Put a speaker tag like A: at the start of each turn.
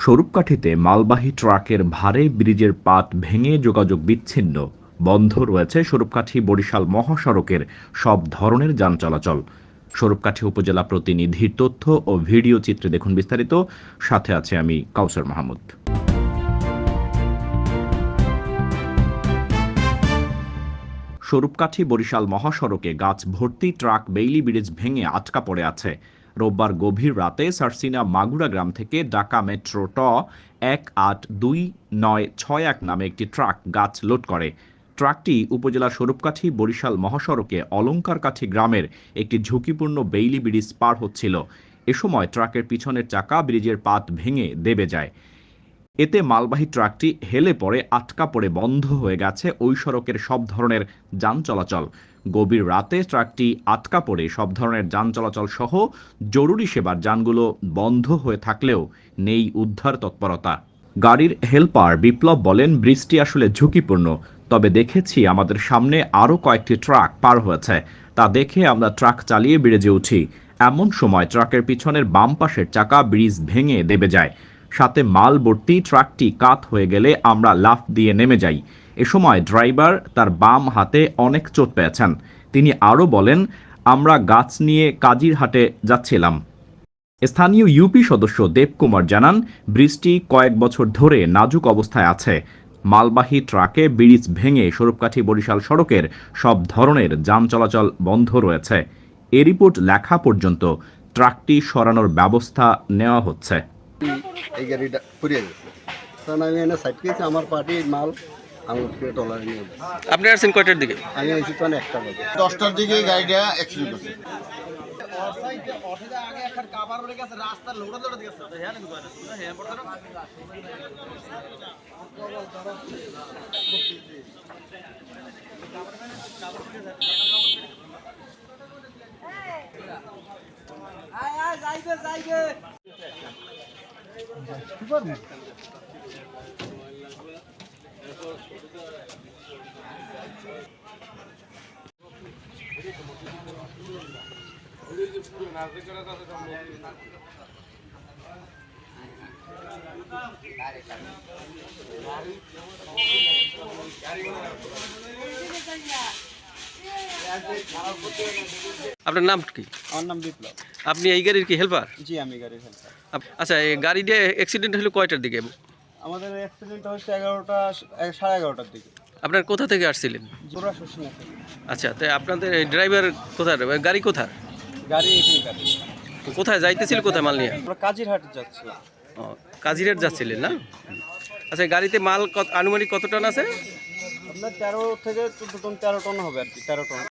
A: স্বরূপকাঠিতে মালবাহী ট্রাকের ভারে ব্রিজের পাত ভেঙে যোগাযোগ বিচ্ছিন্ন। বন্ধ রয়েছে স্বরূপকাঠি বরিশাল মহাসড়কের সব ধরনের যান চলাচল। স্বরূপকাঠি উপজেলা প্রতিনিধির তথ্য ও ভিডিও চিত্রে দেখুন বিস্তারিত। সাথে আছে আমি কাউসার মাহমুদ। স্বরূপকাঠি বরিশাল মহাসড়কে গাছ ভর্তি ট্রাক বেইলি ব্রিজ ভেঙে আটকা পড়ে আছে। রোববার গভীর রাতে সারসিনা মাগুরা গ্রাম থেকে ঢাকা মেট্রো 182961 নামে একটি ট্রাক গাছ লোড করে। ট্রাকটি উপজেলার স্বরূপকাঠি বরিশাল মহাসড়কে অলঙ্কারকাঠি গ্রামের একটি ঝুঁকিপূর্ণ বেইলি ব্রিজ পার হচ্ছিল। এ সময় ট্রাকের পিছনের চাকা ব্রিজের পাত ভেঙে দেবে যায়। এতে মালবাহী ট্রাকটি হেলে পড়ে আটকা পড়ে বন্ধ হয়ে গেছে ওই সড়কের সব ধরনের যান চলাচল। গভীর রাতে ট্রাকটি আটকা পড়ে সব ধরনের যান চলাচল সহ জরুরি সেবার যানগুলো বন্ধ হয়ে থাকলেও নেই উদ্ধার তৎপরতা। গাড়ির হেলপার বিপ্লব বলেন, ব্রিজটি আসলে ঝুঁকিপূর্ণ, তবে দেখেছি আমাদের সামনে আরও কয়েকটি ট্রাক পার হয়েছে, তা দেখে আমরা ট্রাক চালিয়ে ব্রিজে উঠি। এমন সময় ট্রাকের পিছনের বাম পাশের চাকা ব্রিজ ভেঙে দেবে যায়। সাথে মাল ভর্তি ট্রাকটি কাত হয়ে গেলে আমরা লাফ দিয়ে নেমে যাই। এ সময় ড্রাইভার তার বাম হাতে অনেক চোট পেয়েছেন। তিনি আরও বলেন, আমরা গাছ নিয়ে কাজিরহাটে যাচ্ছিলাম। স্থানীয় ইউপি সদস্য দেবকুমার জানান, ব্রিজটি কয়েক বছর ধরে নাজুক অবস্থায় আছে। মালবাহী ট্রাকে ব্রিজ ভেঙে স্বরূপকাঠি বরিশাল সড়কের সব ধরনের যান চলাচল বন্ধ রয়েছে। এ রিপোর্ট লেখা পর্যন্ত ট্রাকটি সরানোর ব্যবস্থা নেওয়া হচ্ছে।
B: এই গাড়িটা পুড়িয়ে গেছে, কারণ আমি এনে সাইড করেছি, আমার পার্টির মাল আমি টলারে নিয়ে যাচ্ছি।
C: আপনি আসছেন কয়টার দিকে?
B: আমি এসেছি তখন 1টা বাজে, 10টার দিকে গাড়িটা অ্যাক্সিডেন্ট হচ্ছে।
C: আপনার নাম কি?
B: আমার নাম বিপ্লব।
C: আপনি এই গাড়ির কি হেল্পার?
B: জি, আমি গাড়ির হেল্পার।
C: আচ্ছা, এই গাড়িটা অ্যাক্সিডেন্ট হলো কয়টার দিকে?
B: আমাদের অ্যাক্সিডেন্ট হচ্ছে 11টার দিকে।
C: আপনার কোথা থেকে আসছিলেন?
B: জোড়া শুনছি।
C: আচ্ছা, তো আপনাদের ড্রাইভার কোথায়, গাড়ি কোথায়?
B: গাড়ি এখানে গাড়ি
C: কোথায় যাইতেছিল, কোথায় মাল নিয়ে?
B: আমরা কাজিরহাট যাচ্ছিলাম।
C: ও, কাজিরহাট যাচ্ছিলেন না? আচ্ছা, গাড়িতে মাল আনুমানিক কত টন আছে?
B: আপনার 13 থেকে 14 টন, 13 টন হবে আর কি, 13 টন।